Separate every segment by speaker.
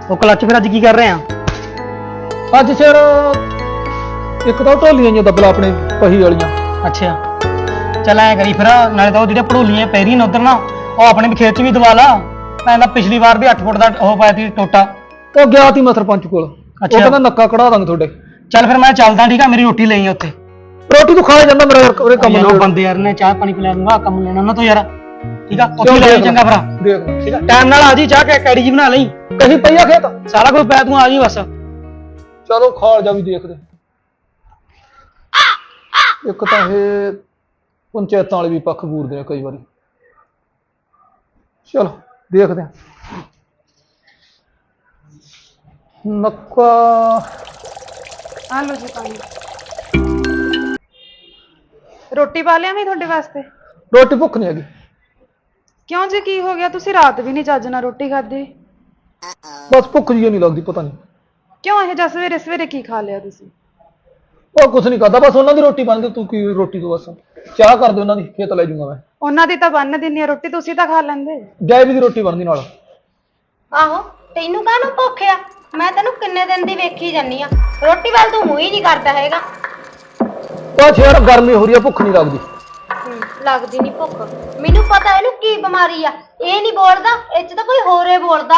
Speaker 1: ਉਹ ਕਲੱਚ ਫਿਰ ਅੱਜ ਕੀ ਕਰ ਰਹੇ ਆ?
Speaker 2: ਅੱਜ ਸਿਰ ਇੱਕ ਤਾਂ ਢੋਲੀਆਂ ਜਿਹੀਆਂ ਦੱਬਲਾ ਆਪਣੇ ਪਹੀ ਵਾਲੀਆਂ।
Speaker 1: ਅੱਛਾ ਚੱਲ ਐ ਕਰੀ ਫਿਰ, ਨਾਲੇ ਤਾਂ ਉਹ ਜਿਹੜੇ ਭੜੋਲੀਆਂ ਪੈ ਰਹੀਆਂ ਨੇ ਉਧਰ ਨਾ, ਉਹ ਆਪਣੇ ਵੀ ਖੇਤ 'ਚ ਵੀ ਦਵਾ ਲਾ। ਮੈਂ ਤਾਂ ਪਿਛਲੀ ਵਾਰ ਵੀ 8 ਫੁੱਟ ਦਾ ਉਹ ਪਾਇਆ ਸੀ ਟੋਟਾ।
Speaker 2: ਉਹ ਗਿਆ ਤੀ ਮੈਂ ਸਰਪੰਚ ਕੋਲ, ਉਹ ਕਹਿੰਦਾ ਨੱਕਾ ਕਢਾ ਦਾਂਗੇ ਤੁਹਾਡੇ।
Speaker 1: ਚੱਲ ਫਿਰ ਮੈਂ ਚੱਲਦਾ, ਠੀਕ ਆ? ਮੇਰੀ ਰੋਟੀ ਲਈ ਉੱਥੇ।
Speaker 2: ਰੋਟੀ ਤੂੰ ਖਾ ਜਾਂਦਾ ਮੇਰਾ ਉਰੇ ਕੰਮ
Speaker 1: ਯਾਰ ਬੰਦੇ ਯਾਰ ਨੇ ਚਾਹ ਪਾਣੀ ਪਿਲਾ ਦੂੰਗਾ, ਕੰਮ ਲੈਣਾ ਉਹਨਾਂ ਤੋਂ ਯਾਰ। ਠੀਕ ਆ ਉੱਥੇ ਲੈ ਚੰਗਾ ਭਰਾ।
Speaker 2: ਦੇਖ
Speaker 1: ਠੀਕ ਆ ਟਾਈਮ ਨਾਲ ਆ ਜੀ, ਚਾਹ ਕੈੜੀ ਜੀ ਬਣਾ ਲਈ।
Speaker 2: ਕਹੀ ਪਈਆ ਖੇਤ
Speaker 1: ਸਾਰਾ ਕੁਝ ਪੈ ਤੂੰ ਆ ਜੀ ਬਸ।
Speaker 2: ਚਲੋ ਖਾਲ ਜਾ ਵੀ ਦੇਖਦੇ। ਇੱਕ ਤਾਂ ਇਹ ਪੰਚਾਇਤਾਂ ਵਾਲੇ ਵੀ ਪੱਖ ਬੂਰਦੇ ਆ ਕਈ ਵਾਰੀ। ਚਲੋ ਦੇਖਦੇ ਆ। ਨੱਕਾ
Speaker 3: ਆ ਲਓ ਜੀ ਪਾਣੀ। ਰੋਟੀ ਪਾ ਲਿਆ ਮੈਂ ਤੁਹਾਡੇ ਵਾਸਤੇ।
Speaker 2: ਰੋਟੀ ਭੁੱਖ ਨਹੀਂ ਹੈਗੀ।
Speaker 3: ਕਿਉਂ ਜੀ ਕੀ ਹੋ ਗਿਆ? ਤੁਸੀਂ ਰਾਤ ਵੀ ਨਹੀਂ ਚੱਜ ਨਾਲ ਰੋਟੀ ਖਾਧੀ।
Speaker 2: ਬਸ ਭੁੱਖ ਜੀ ਨਹੀਂ ਲੱਗਦੀ, ਪਤਾ ਨਹੀਂ
Speaker 3: ਕਿਉਂ ਇਹ ਜਿਹਾ ਸਵੇਰੇ ਸਵੇਰੇ ਕੀ ਖਾ ਲਿਆ ਤੁਸੀਂ?
Speaker 2: ਉਹ ਕੁਛ ਨਹੀਂ ਕਰਦਾ, ਬਸ ਉਹਨਾਂ ਦੀ ਰੋਟੀ ਬਣ ਗਈ। ਤੂੰ ਕੀ ਰੋਟੀ ਤੋਂ ਬਸ ਚਾਹ ਕਰ ਦੇ, ਉਹਨਾਂ ਦੀ ਖੇਤ ਲੈ ਜਾਊਂਗਾ ਮੈਂ।
Speaker 3: ਉਹਨਾਂ ਦੀ ਤਾਂ ਬੰਨ ਦਿੰਨੀ ਆ ਰੋਟੀ, ਤੁਸੀਂ ਤਾਂ ਖਾ ਲੈਂਦੇ।
Speaker 2: ਜੈ ਵੀ ਦੀ ਰੋਟੀ ਬਣਦੀ ਨਾਲ।
Speaker 4: ਆਹੋ ਤੈਨੂੰ ਕਾਹਨੂੰ ਭੁੱਖ ਆ? ਮੈਂ ਤੈਨੂੰ ਕਿੰਨੇ ਦਿਨ ਦੀ ਵੇਖੀ ਜਾਨੀ ਆ, ਰੋਟੀ ਵੱਲ ਤੂੰ ਮੂੰਹ ਹੀ ਨਹੀਂ ਕਰਦਾ ਹੈਗਾ।
Speaker 2: ਬਸ ਯਾਰ ਗਰਮੀ ਹੋ ਰਹੀ ਆ, ਭੁੱਖ ਨਹੀਂ ਲੱਗਦੀ।
Speaker 4: ਲੱਗਦੀ ਨਹੀਂ ਭੁੱਖ। ਮੈਨੂੰ ਪਤਾ ਇਹਨੂੰ ਕੀ ਬਿਮਾਰੀ ਆ। ਇਹ ਨਹੀਂ ਬੋਲਦਾ, ਇਹ 'ਚ ਤਾਂ ਕੋਈ ਹੋਰ ਏ ਬੋਲਦਾ।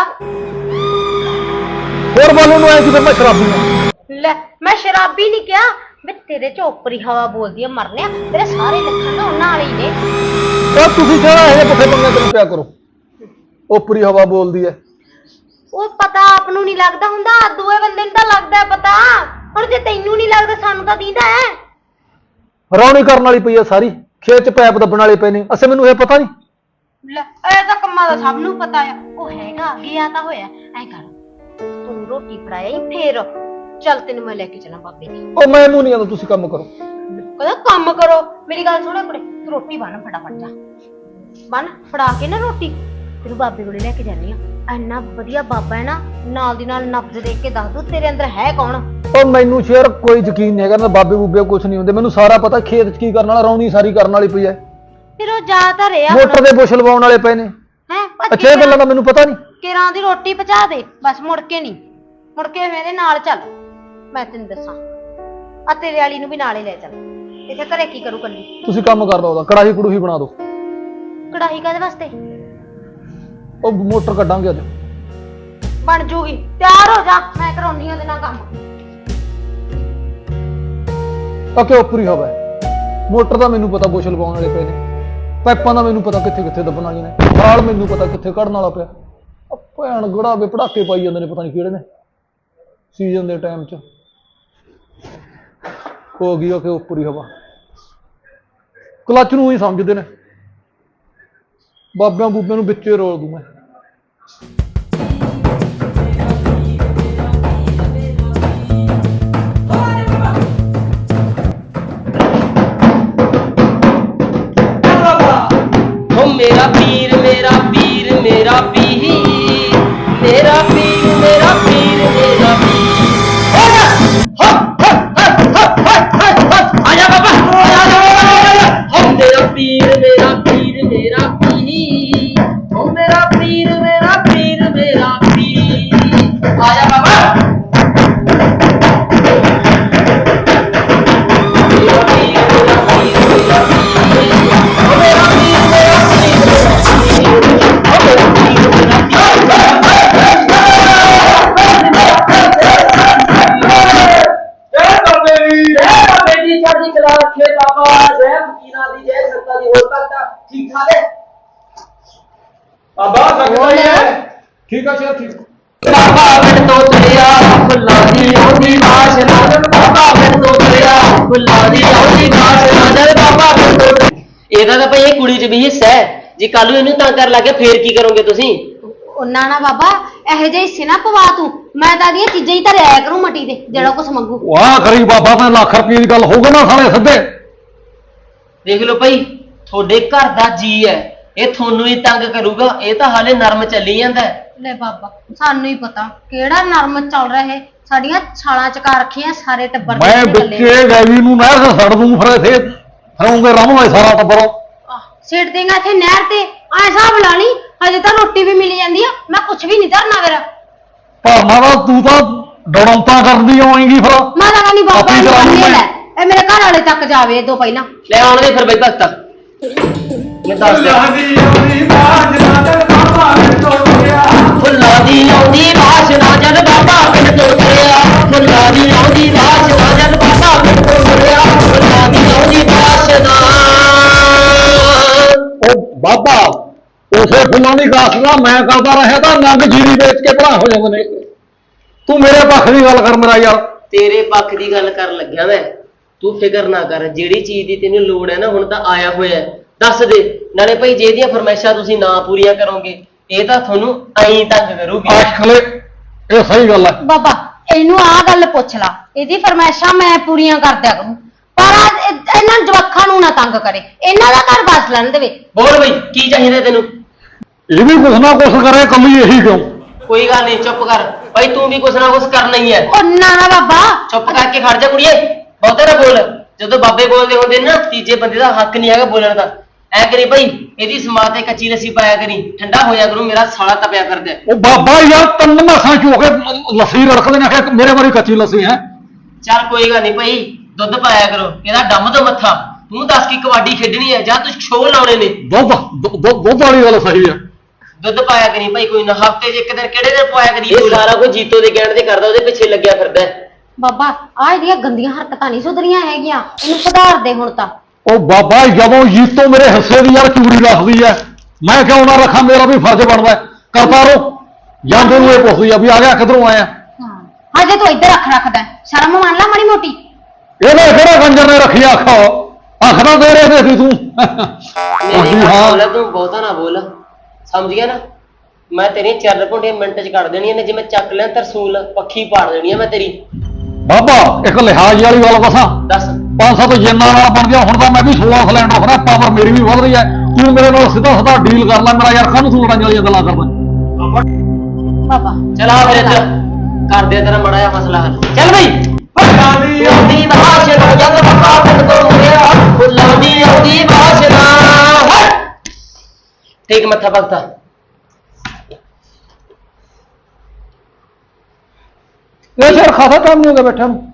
Speaker 2: ਹੋਰ ਬੋਲਣ ਨੂੰ ਆਇਆ ਕਿ ਫਿਰ ਮੈਂ ਸ਼ਰਾਬੀ ਆ।
Speaker 4: ਲੈ ਮੈਂ ਸ਼ਰਾਬੀ ਨਹੀਂ ਕਿਹਾ, ਵੇ ਤੇਰੇ 'ਚ ਓਪਰੀ ਹਵਾ ਬੋਲਦੀ ਆ ਮਰਨਿਆ। ਤੇਰੇ ਸਾਰੇ ਲੱਖਾਂ ਨਾ ਉਹਨਾਂ ਵਾਲੇ ਹੀ ਨੇ।
Speaker 2: ਤਾਂ ਤੁਸੀਂ ਕਿਹੜਾ ਇਹ ਪੁੱਠੇ ਪੰਗੇ ਕਿਉਂ ਪਿਆ ਕਰੋ? ਓਪਰੀ ਹਵਾ ਬੋਲਦੀ ਐ।
Speaker 4: ਉਹ ਪਤਾ ਆਪ ਨੂੰ ਨਹੀਂ ਲੱਗਦਾ ਹੁੰਦਾ, ਦੂਏ ਬੰਦੇ ਨੂੰ ਤਾਂ ਲੱਗਦਾ ਪਤਾ। ਹੁਣ ਜੇ ਤੈਨੂੰ ਨਹੀਂ ਲੱਗਦਾ ਸਾਨੂੰ ਤਾਂ ਦੀਦਾ ਹੈ।
Speaker 2: ਰੌਣੀ ਕਰਨ ਵਾਲੀ ਪਈ ਆ ਸਾਰੀ, ਖੇਤ 'ਚ ਪੈਪ ਦੱਬਣ ਵਾਲੇ ਪਏ ਨੇ। ਅਸੇ ਮੈਨੂੰ ਇਹ ਪਤਾ ਨਹੀਂ।
Speaker 4: ਲੈ ਇਹ ਤਾਂ ਕੰਮਾਂ ਦਾ ਸਭ ਨੂੰ ਪਤਾ ਆ। ਉਹ ਹੈਗਾ ਗਿਆ ਤਾਂ ਹੋਇਆ। ਐ ਕਰ ਤੂੰ ਰੋਟੀ ਫੜਾਇਆ ਫੇਰ ਚੱਲ ਤੈਨੂੰ ਮੈਂ ਲੈ ਕੇ ਚੱਲਾਂ ਬਾਬੇ ਦੀ।
Speaker 2: ਉਹ ਮੈਨੂੰ ਨਹੀਂ ਆਉਂਦਾ, ਤੁਸੀਂ ਕੰਮ ਕਰੋ।
Speaker 4: ਕਹਿੰਦਾ ਕੰਮ ਕਰੋ। ਮੇਰੀ ਗੱਲ ਸੁਣ ਕੁੜੇ, ਤੂੰ ਰੋਟੀ ਬੰਨ ਫਟਾਫਟ ਜਾ। ਬੰਨ ਫੜਾ ਕੇ ਨਾ ਰੋਟੀ ਤੈਨੂੰ ਬਾਬੇ ਕੋਲੇ ਲੈ ਕੇ ਜਾਨੀ ਆ। ਇੰਨਾ ਵਧੀਆ ਬਾਬਾ ਹੈ ਨਾ, ਨਾਲ ਦੀ ਨਾਲ ਨਬਜ਼ ਦੇਖ ਕੇ ਦੱਸ ਦੂ ਤੇਰੇ ਅੰਦਰ ਹੈ ਕੌਣ।
Speaker 2: ਉਹ ਮੈਨੂੰ ਸ਼ੇਰ ਕੋਈ ਯਕੀਨ ਨਹੀਂ ਹੈਗਾ ਨਾ, ਬਾਬੇ ਬੂਬੇ ਕੁਛ ਨਹੀਂ ਹੁੰਦੇ। ਮੈਨੂੰ ਸਾਰਾ ਪਤਾ ਖੇਤ 'ਚ ਕੀ ਕਰਨ ਵਾਲਾ, ਰੌਣੀ ਸਾਰੀ ਕਰਨ ਵਾਲੀ ਪਈ ਐ।
Speaker 4: ਫਿਰ ਉਹ ਜਾ ਤਾਂ ਰਿਹਾ
Speaker 2: ਮੋਟਰ ਦੇ ਬੁਸ਼ ਲਵਾਉਣ ਵਾਲੇ ਪਏ ਨੇ। ਅੱਛਾ ਇਹ ਗੱਲਾਂ ਦਾ ਮੈਨੂੰ ਪਤਾ ਨਹੀਂ।
Speaker 4: ਕਿਰਾਂ ਦੀ ਰੋਟੀ ਪਹੁੰਚਾ ਦੇ ਬਸ, ਮੁੜ ਕੇ ਨਹੀਂ। ਮੁੜ ਕੇ ਮੇਰੇ ਨਾਲ ਚੱਲ, ਮੈਂ ਤੈਨੂੰ ਦੱਸਾਂ। ਆ ਤੇਰੇ ਵਾਲੀ ਨੂੰ ਵੀ ਨਾਲੇ ਲੈ ਚੱਲ। ਇੱਥੇ ਘਰੇ ਕੀ ਕਰੂ ਕੱਲੀ?
Speaker 2: ਤੁਸੀਂ ਕੰਮ ਕਰ ਦੋ, ਉਹਦਾ ਕੜਾਹੀ ਕੜੂਹੀ ਬਣਾ ਦਿਓ।
Speaker 4: ਕੜਾਹੀ ਕਾਹਦੇ ਵਾਸਤੇ?
Speaker 2: ਉਹ ਮੋਟਰ ਕੱਢਾਂਗੇ ਅੱਜ।
Speaker 4: ਬਣ ਜੂਗੀ, ਤਿਆਰ ਹੋ ਜਾ, ਮੈਂ ਕਰਾਉਣੀ ਉਹਦੇ ਨਾਲ ਕੰਮ।
Speaker 2: ਅੱਕੇ ਉੱਪਰੀ ਹਵਾ ਮੋਟਰ ਦਾ ਮੈਨੂੰ ਪਤਾ ਬੁਸ਼ ਲਵਾਉਣ ਵਾਲੇ ਪਏ ਨੇ। ਪਾਈਪਾਂ ਦਾ ਮੈਨੂੰ ਪਤਾ ਕਿੱਥੇ ਕਿੱਥੇ ਦੱਬਣ ਵਾਲੀਆਂ ਨੇ। ਨਾਲ ਮੈਨੂੰ ਪਤਾ ਕਿੱਥੇ ਕੱਢਣ ਵਾਲਾ ਪਿਆ। ਭੈਣ ਗੜਾਵੇ ਪੜਾਕੇ ਪਾਈ ਜਾਂਦੇ ਨੇ, ਪਤਾ ਨਹੀਂ ਕਿਹੜੇ ਨੇ ਸੀਜ਼ਨ ਦੇ ਟਾਈਮ 'ਚ। ਹੋ ਗਈ ਕਿ ਉੱਪਰੀ ਹਵਾ ਕਲੱਚ ਨੂੰ ਹੀ ਸਮਝਦੇ ਨੇ। ਬਾਬਿਆਂ ਬੂਬਿਆਂ ਨੂੰ ਵਿੱਚੇ ਰੋਲ ਦੂੰ ਮੈਂ।
Speaker 5: मेरा पीर मेरा पीर मेरा पीर मेरा पीर मेरा पीर मेरा पीर। आजा बाबा हो मेरा पीर मेरा पीर मेरा पीर हो मेरा पीर मेरा पीर मेरा पीर। आजा बाबा
Speaker 2: ठीक है शेर ठीक।
Speaker 5: बाबा बिन तो तुरिया फुल्ला दी औंदी वासना बाबा बिन तो तुरिया फुल्ला दी औंदी वासना बाबा बिन तो। ਇਹਦਾ ਤਾਂ ਭਾਈ ਇਹ ਕੁੜੀ 'ਚ ਵੀ ਹਿੱਸਾ ਹੈ। ਜੇ ਕੱਲ ਨੂੰ ਇਹਨੂੰ ਤੰਗ ਕਰ ਲੱਗੇ ਫੇਰ ਕੀ ਕਰੋਗੇ ਤੁਸੀਂ?
Speaker 4: ਉਹਨਾਂ ਨਾ ਬਾਬਾ ਇਹੋ ਜਿਹੇ ਹਿੱਸੇ ਨਾ ਪਵਾ ਤੂੰ। ਮੈਂ ਤਾਂ ਦੀਆਂ ਚੀਜ਼ਾਂ ਹੀ ਧਰਿਆ ਕਰੂੰ ਮਟੀ ਦੇ, ਜਿਹੜਾ ਕੁਛ ਮੰਗੂ।
Speaker 2: ਵਾਹ ਕਰੀ ਬਾਬਾ, ਮੈਂ ਲੱਖ ਰੁਪਏ ਦੀ ਗੱਲ ਹੋਊਗਾ ਨਾ ਸਾਲੇ ਸਿੱਧੇ।
Speaker 5: ਦੇਖ ਲਓ ਭਾਈ, ਤੁਹਾਡੇ ਘਰ ਦਾ ਜੀ ਹੈ, ਇਹ ਤੁਹਾਨੂੰ ਹੀ ਤੰਗ ਕਰੂਗਾ। ਇਹ ਤਾਂ ਹਾਲੇ ਨਰਮ ਚੱਲੀ ਜਾਂਦਾ।
Speaker 4: ਲੈ ਬਾਬਾ ਸਾਨੂੰ ਹੀ ਪਤਾ ਕਿਹੜਾ ਨਰਮ ਚੱਲ ਰਿਹਾ ਹੈ। ਸਾਡੀਆਂ ਛਾਲਾਂ ਚਕਾ ਰੱਖੀਆਂ ਸਾਰੇ ਟੱਬਰ
Speaker 2: ਮੈਂ ਵਿੱਚੇ ਗੈਵੀ ਨੂੰ ਨਹਿਰ ਤੇ ਛੱਡ ਦੂੰ, ਫਿਰ ਇੱਥੇ ਫਿਰੋਂਗੇ ਰਮਵਾ ਸਾਰਾ ਟੱਬਰ।
Speaker 4: ਸਿੱਟ ਦੇਗਾ ਇੱਥੇ ਨਹਿਰ ਤੇ। ਐ ਹਿਸਾਬ ਲਾ ਲਈ, ਹਜੇ ਤਾਂ ਰੋਟੀ ਵੀ ਮਿਲ ਜਾਂਦੀ ਆ। ਮੈਂ ਕੁਛ ਵੀ ਨਹੀਂ ਧਰਨਾ ਮੇਰਾ।
Speaker 2: ਭਾਵਨਾ ਦਾ ਤੂੰ ਤਾਂ ਡੜੌਂਤਾ ਕਰਦੀ ਆਏਂਗੀ ਫਿਰ
Speaker 4: ਮੈਂ ਤਾਂ ਨਹੀਂ ਬਾਬਾ
Speaker 2: ਆਪਣੀ
Speaker 4: ਨੂੰ
Speaker 2: ਜਵਾਨੀ
Speaker 4: ਬੰਨੇ
Speaker 2: ਮੈਂ-
Speaker 4: ਲੈ ਇਹ ਮੇਰੇ ਘਰ ਵਾਲੇ ਤੱਕ ਜਾਵੇ ਇਹ ਤੋਂ ਪਹਿਲਾਂ
Speaker 5: ਲੈ ਆਉਣ ਦੇ ਫਿਰ ਬਈ ਭਗਤਾ ਮੈਂ ਦੱਸ ਦਿਆਂ ਫੁੱਲਾਂ ਦੀ ਆਉਂਦੀ ਵਾਸ਼ਨਾ ਜਦ ਬਾਬਾ ਪਿੰਡ ਤੋਂ ਤੁਰਿਆ ਫੁੱਲਾਂ ਦੀ ਆਉਂਦੀ ਵਾਸ਼ਨਾ ਜਦ ਬਾਬਾ ਪਿੰਡ ਤੋਂ ਤੁਰਿਆ ਫੁੱਲਾਂ ਦੀ ਆਉਂਦੀ ਵਾਸ਼ਨਾ
Speaker 2: ਉਹ ਬਾਬਾ ਉਸੇ ਫੁੱਲਾਂ ਦੀ ਗਾਸ ਦਾ ਮੈਂ ਕਰਦਾ ਰਿਹਾ ਤਾਂ ਨੰਗ ਜੀਰੀ ਵੇਚ ਕੇ ਭਲਾ ਹੋ ਜਾਂਦੇ ਨੇ ਤੂੰ ਮੇਰੇ ਪੱਖ ਦੀ ਗੱਲ ਕਰ ਮੇਰਾ ਯਾਰ
Speaker 5: ਤੇਰੇ ਪੱਖ ਦੀ ਗੱਲ ਕਰਨ ਲੱਗਿਆ ਮੈਂ ਤੂੰ ਫਿਕਰ ਨਾ ਕਰ ਜਿਹੜੀ ਚੀਜ਼ ਦੀ ਤੈਨੂੰ ਲੋੜ ਹੈ ਨਾ ਹੁਣ ਤਾਂ ਆਇਆ ਹੋਇਆ ਹੈ। ਦੱਸ ਦੇ ਨਾਲੇ ਭਾਈ ਜੇ ਇਹਦੀਆਂ ਫਰਮਾਇਸ਼ਾਂ ਤੁਸੀਂ ਨਾ ਪੂਰੀਆਂ ਕਰੋਗੇ ਇਹ ਤਾਂ ਤੁਹਾਨੂੰ ਐਂ ਤੰਗ ਕਰੂਗੀ
Speaker 2: ਆਖਲੇ ਇਹ ਸਹੀ ਗੱਲ ਹੈ
Speaker 4: ਬਾਬਾ ਇਹਨੂੰ ਆਹ ਗੱਲ ਪੁੱਛ ਲਾ ਇਹਦੀ ਫਰਮਾਇਸ਼ਾਂ ਮੈਂ ਪੂਰੀਆਂ ਕਰ ਦਿਆ ਕਰੂੰ ਪਰ ਇਹਨਾਂ ਜਵਾਕਾਂ ਨੂੰ ਨਾ ਤੰਗ ਕਰੇ ਇਹਨਾਂ ਦਾ ਘਰ ਬਸ ਲੈਣ ਦੇਵੇ
Speaker 5: ਬੋਲ ਬਈ ਕੀ ਚਾਹੀਦਾ ਤੈਨੂੰ
Speaker 2: ਇਹ ਵੀ ਕੁਛ ਨਾ ਕੁਛ ਕਰੇ ਕੱਲੀ ਇਹੀ ਕਿਉਂ
Speaker 5: ਕੋਈ ਗੱਲ ਨਹੀਂ ਚੁੱਪ ਕਰ ਭਾਈ ਤੂੰ ਵੀ ਕੁਛ ਨਾ ਕੁਛ ਕਰਨਾ ਹੀ ਹੈ
Speaker 4: ਉਹ ਨਾ ਨਾ ਬਾਬਾ
Speaker 5: ਚੁੱਪ ਕਰਕੇ ਖੜ ਜਾ ਕੁੜੀਏ ਬਹੁਤੇ ਨਾ ਬੋਲ ਜਦੋਂ ਬਾਬੇ ਬੋਲਦੇ ਹੁੰਦੇ ਨੇ ਨਾ ਤੀਜੇ ਬੰਦੇ ਦਾ ਹੱਕ ਨਹੀਂ ਹੈਗਾ ਬੋਲਣ ਦਾ ਐ ਕਰੀ ਭਾਈ ਇਹਦੀ ਸਮਾਤ ਤੇ ਕੱਚੀ ਲੱਸੀ ਪਾਇਆ ਕਰੀ ਠੰਡਾ ਹੋਇਆ ਕਰੂ ਮੇਰਾ ਸਾਲਾ ਤਪਿਆ ਕਰਦਾ ਹੈ।
Speaker 2: ਉਹ ਬਾਬਾ ਯਾਰ ਤਿੰਨ ਮਾਸਾਂ ਚੋ ਕੇ ਲੱਸੀ ਰੜਕਦੇ ਨੇ ਕਿ ਮੇਰੇ ਵਾਰੀ ਕੱਚੀ ਲੱਸੀ ਹੈ
Speaker 5: ਚੱਲ ਕੋਈ ਗੱਲ ਨਹੀਂ ਭਾਈ ਦੁੱਧ ਪਾਇਆ ਕਰੋ ਇਹਦਾ ਡੰਮ ਤੋਂ ਮੱਥਾ ਤੂੰ ਦੱਸ ਕੀ ਕਬੱਡੀ ਖੇਡਣੀ ਹੈ ਜਾਂ ਤੂੰ ਸ਼ੋਅ ਲਾਉਣੇ ਨੇ
Speaker 2: ਦੁੱਧ ਵਾਲੀ ਗੱਲ ਸਹੀ ਹੈ
Speaker 5: ਦੁੱਧ ਪਾਇਆ ਕਰੀ ਭਾਈ ਕੋਈ ਨਾ ਹਫਤੇ 'ਚ ਇੱਕ ਦਿਨ ਕਿਹੜੇ ਦਿਨ ਪਾਇਆ ਕਰੀ ਇਹ ਸਾਰਾ ਕੁਝ ਜੀਤੋ ਦੇ ਕਹਿਣ ਤੇ ਕਰਦਾ ਉਹਦੇ ਪਿੱਛੇ ਲੱਗਿਆ ਫਿਰਦਾ ਹੈ।
Speaker 4: ਬਾਬਾ ਆਹ ਇਹਦੀਆਂ ਗੰਦੀਆਂ ਹਰਕਤਾਂ ਨਹੀਂ ਸੁਧਰੀਆਂ ਹੈਗੀਆਂ ਇਹਨੂੰ ਸੁਧਾਰ ਦੇ ਹੁਣ ਤਾਂ
Speaker 2: ਉਹ ਬਾਬਾ ਜਦੋਂ ਜੀਤੋਂ ਮੇਰੇ ਹਿੱਸੇ ਦੀ ਯਾਰ ਚੂੜੀ ਰੱਖਦੀ ਐ ਮੈਂ ਕਿਉਂ ਨਾ ਰੱਖਾਂ ਮੇਰਾ ਵੀ ਫਰਜ਼ ਬਣਦਾ ਹੈ। ਕਰਤਾ ਰੋ ਜਾਂਦੇ ਨੂੰ ਇਹ ਪੁੱਛਦੀ ਆ ਵੀ ਆ ਗਿਆ ਕਿਧਰੋਂ ਆਇਆ
Speaker 4: ਹਾਂ ਹਜੇ ਤੂੰ ਇੱਧਰ ਰੱਖਦਾ ਸ਼ਰਮ ਮੰਨ ਲੈ ਮਾੜੀ ਮੋਟੀ
Speaker 2: ਇਹਨੇ ਕਿਹੜਾ ਕੰਜਰ ਨੇ ਰੱਖੀ ਅੱਖ ਤਾਂ ਦੇ ਰਹੇ ਸੀ ਤੂੰ
Speaker 5: ਮੇਰੀ ਗੱਲ
Speaker 2: ਹਾਂ
Speaker 5: ਸੁਣ ਲੈ ਤੂੰ ਬਹੁਤਾ ਨਾ ਬੋਲ ਸਮਝ ਗਿਆ ਨਾ ਮੈਂ ਤੇਰੀਆਂ ਚਰਨ ਘੁੰਡੀਆਂ ਮਿੰਟ 'ਚ ਕੱਢ ਦੇਣੀਆਂ ਨੇ ਜਿਵੇਂ ਚੱਕ ਲਿਆ ਤਰਸੂਲ ਪੱਖੀ ਪਾੜ ਦੇਣੀ ਆ ਮੈਂ ਤੇਰੀ
Speaker 2: ਬਾਬਾ ਇੱਕ ਲਿਹਾਜ਼ ਵਾਲੀ ਗੱਲ ਦੱਸਾਂ
Speaker 5: ਦੱਸ
Speaker 2: 5-7 ਜੇਨਾਂ ਨਾਲ ਬਣ ਗਿਆ ਹੁਣ ਤਾਂ ਮੈਂ ਵੀ 16 ਸਿਲੈਂਡ ਆਫਰ ਪਾਵਰ ਮੇਰੀ ਵੀ ਵਧ ਰਹੀ ਹੈ ਤੂੰ ਮੇਰੇ ਨਾਲ ਸਿੱਧਾ ਡੀਲ ਕਰ ਲੈ ਮੇਰਾ ਯਾਰ ਕਾਹਨੂੰ ਤੂੰ ਲੜਾਈਆਂ ਵਾਲੀਆਂ ਗੱਲਾਂ ਕਰਦਾ
Speaker 4: ਬਾਬਾ
Speaker 5: ਚਲਾ ਫਿਰ ਇੱਧਰ ਕਰ ਦੇ ਤੇਰਾ ਮੜਾ ਜਿਹਾ ਮਸਲਾ ਹੱਲ ਚੱਲ ਬਈ ਆਉਂਦੀ ਬਾਸ਼ਨਾ ਜਦ ਬਾਬਾ ਪਿੰਡ ਤੋਂ ਮੁੜਿਆ ਫੁੱਲਾਂ ਦੀ ਆਉਂਦੀ ਬਾਸ਼ਨਾ ਠੀਕ ਮੱਥਾ ਭਗਤਾ
Speaker 2: ਇਹ ਯਾਰ ਖਾਸਾ ਕੰਮ ਨਹੀਂ ਹੋ ਗਿਆ ਬੈਠਾ ਨੂੰ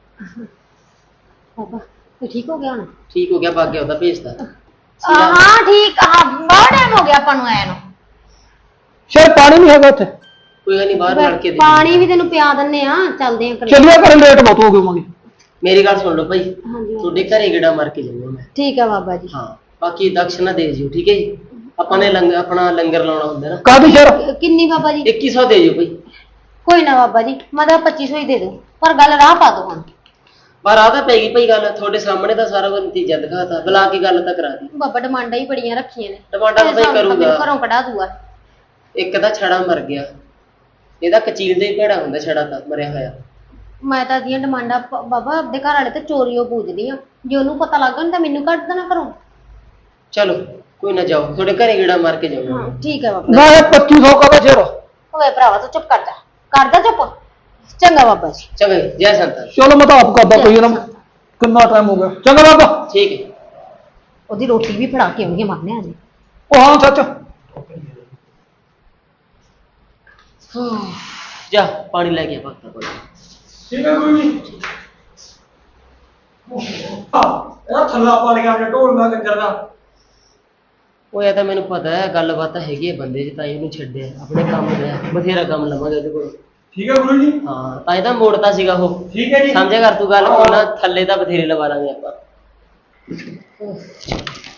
Speaker 4: ਬਾਬਾ ਇਹ ਠੀਕ ਹੋ ਗਿਆ ਹੁਣ
Speaker 5: ਠੀਕ ਹੋ ਗਿਆ ਭੱਗ ਗਿਆ ਉਹਦਾ ਭੇਜਦਾ
Speaker 4: ਹਾਂ ਠੀਕ ਹਾਂ ਬਹੁਤ ਟਾਈਮ ਹੋ ਗਿਆ ਆਪਾਂ ਨੂੰ ਆਇਆ ਨੂੰ
Speaker 2: ਸ਼ਾਇਦ ਪਾਣੀ ਨਹੀਂ ਹੈਗਾ ਉੱਥੇ
Speaker 5: ਕੋਈ ਗੱਲ ਨਹੀਂ ਬਾਹਰ ਲੜ ਕੇ ਦੇ
Speaker 4: ਪਾਣੀ ਵੀ ਤੈਨੂੰ ਪਿਆ ਦਿੰਨੇ ਆ ਚੱਲਦੇ ਆ ਘਰੇ।
Speaker 2: ਚੱਲਿਆ ਕਰ ਲੇਟ ਬਹੁਤ ਹੋ ਗਏ ਮੰਗੀ
Speaker 5: ਮੇਰੀ ਗੱਲ ਸੁਣ ਲਓ ਭਾਈ
Speaker 4: ਹਾਂਜੀ
Speaker 5: ਤੁਹਾਡੇ ਘਰੇ ਗੇੜਾ ਮਾਰ ਕੇ ਜਾਊਂਗਾ ਮੈਂ
Speaker 4: ਠੀਕ ਆ ਬਾਬਾ ਜੀ
Speaker 5: ਹਾਂ ਬਾਕੀ ਦਕਸ਼ਨਾ ਦੇ ਜਿਓ ਠੀਕ ਹੈ ਜੀ ਆਪਾਂ ਨੇ ਆਪਣਾ ਲੰਗਰ ਲਾਉਣਾ ਹੁੰਦਾ ਨਾ
Speaker 2: ਕਾਦੀ ਸ਼ਰ
Speaker 4: ਕਿੰਨੀ ਬਾਬਾ ਜੀ
Speaker 5: 2100 ਦੇ ਜਿਓ ਭਾਈ
Speaker 4: ਕੋਈ ਨਾ ਬਾਬਾ ਜੀ ਮੈਂ ਤਾਂ 2500 ਹੀ ਦੇ ਦੂੰ ਪਰ ਗੱਲ ਰਾਹ ਪਾ ਦੋ ਹੁਣ
Speaker 5: ਪਰ ਆ ਤਾਂ ਪੈ ਗਈ ਭਾਈ ਗੱਲ ਤੁਹਾਡੇ ਸਾਹਮਣੇ ਤਾਂ ਸਾਰਾ ਕੁਝ ਨਤੀਜਾ ਦਿਖਾਤਾ ਬੁਲਾ ਕੇ ਗੱਲ ਤਾਂ ਕਰਾ ਦੀ
Speaker 4: ਬਾਬਾ ਡਿਮਾਂਡਾਂ ਹੀ ਬੜੀਆਂ ਰੱਖੀਆਂ ਨੇ
Speaker 5: ਡਿਮਾਂਡਾਂ ਤਾਂ ਭਾਈ
Speaker 4: ਮੈਨੂੰ
Speaker 5: ਕਰੂਗਾ
Speaker 4: ਘਰੋਂ ਕਢਾ ਦੂਗਾ
Speaker 5: ਇੱਕ ਤਾਂ ਛੜਾ ਮਰ ਗਿਆ ਇਹਦਾ ਕਚੀਲ ਦੇ ਹੀ ਭੇੜਾ ਹੁੰਦਾ ਛੜਾ ਤਾਂ ਮਰਿਆ ਹੋਇਆ
Speaker 4: ਮੈਂ ਤਾਂ ਦੀਆਂ ਡਿਮਾਂਡਾਂ ਬਾਬਾ ਆਪਦੇ ਘਰ ਵਾਲੇ ਤੇ ਚੋਰੀਓ ਪੂਜਦੀ ਆ ਜੇ ਉਹਨੂੰ ਪਤਾ ਲੱਗ ਗਿਆ ਤਾਂ ਮੈਨੂੰ ਕੱਢ ਦੇਣਾ ਘਰੋਂ
Speaker 5: ਚਲੋ ਕੋਈ ਨਾ ਜਾਓ ਤੁਹਾਡੇ ਘਰੇ ਗੇੜਾ ਮਾਰ ਕੇ ਜਾਊਂਗਾ
Speaker 4: ਹਾਂ ਠੀਕ ਹੈ ਬਾਬਾ
Speaker 2: ਨਾ ਇਹ 2500 ਕਾ ਸ਼ਰ
Speaker 4: ਓਏ ਭਰਾਵਾ ਤੂੰ ਚੁੱਪ ਕਰ ਜਾ ਚੁੱਪ ਚੰਗਾ ਬਾਬਾ ਜੀ
Speaker 5: ਚੰਗਾ ਜੀ, ਜੈ ਸੰਤਾਂ
Speaker 2: ਚਲੋ ਮੈਂ ਤਾਂ ਆਪ ਕਰਦਾ ਪਈ ਨਾ ਕਿੰਨਾ ਟਾਈਮ ਹੋ ਗਿਆ ਚੰਗਾ ਬਾਬਾ
Speaker 5: ਠੀਕ ਹੈ
Speaker 4: ਉਹਦੀ ਰੋਟੀ ਵੀ ਫੜਾ ਕੇ ਆਉਣੀ ਮਾਰਨੇ ਆ ਜੀ
Speaker 2: ਉਹ ਹਾਂ ਸੱਚ
Speaker 5: ਜਾ ਪਾਣੀ ਲੈ ਕੇ ਆ ਭਗਤਾ ਕੋਲ
Speaker 1: ਠੀਕ ਹੈ ਗੁਰੂ ਜੀ ਇਹ ਥੱਲਾ ਪਾ ਲਿਆ ਆਪਣੇ ਢੋਲ ਦਾ ਕੰਜਰ ਦਾ
Speaker 5: ਉਹ ਇਹ ਤਾਂ ਮੈਨੂੰ ਪਤਾ ਹੈ ਗੱਲਬਾਤ ਤਾਂ ਹੈਗੀ ਹੈ ਬੰਦੇ 'ਚ ਤਾਂ ਇਹਨੂੰ ਛੱਡਿਆ ਆਪਣੇ ਕੰਮ ਲਿਆ ਬਥੇਰਾ ਕੰਮ ਲਵਾਂਗੇ ਉਹਦੇ ਕੋਲ
Speaker 1: ਠੀਕ ਹੈ ਗੁਰੂ ਜੀ
Speaker 5: ਹਾਂ ਤਾਂ ਇਹ ਤਾਂ ਮੋੜਤਾ ਸੀਗਾ ਉਹ
Speaker 1: ਠੀਕ ਹੈ ਜੀ
Speaker 5: ਸਮਝਿਆ ਕਰ ਤੂੰ ਗੱਲ ਕੋਈ ਨਾ ਥੱਲੇ ਤਾਂ ਬਥੇਰੇ ਲਵਾ ਲਾਂਗੇ ਆਪਾਂ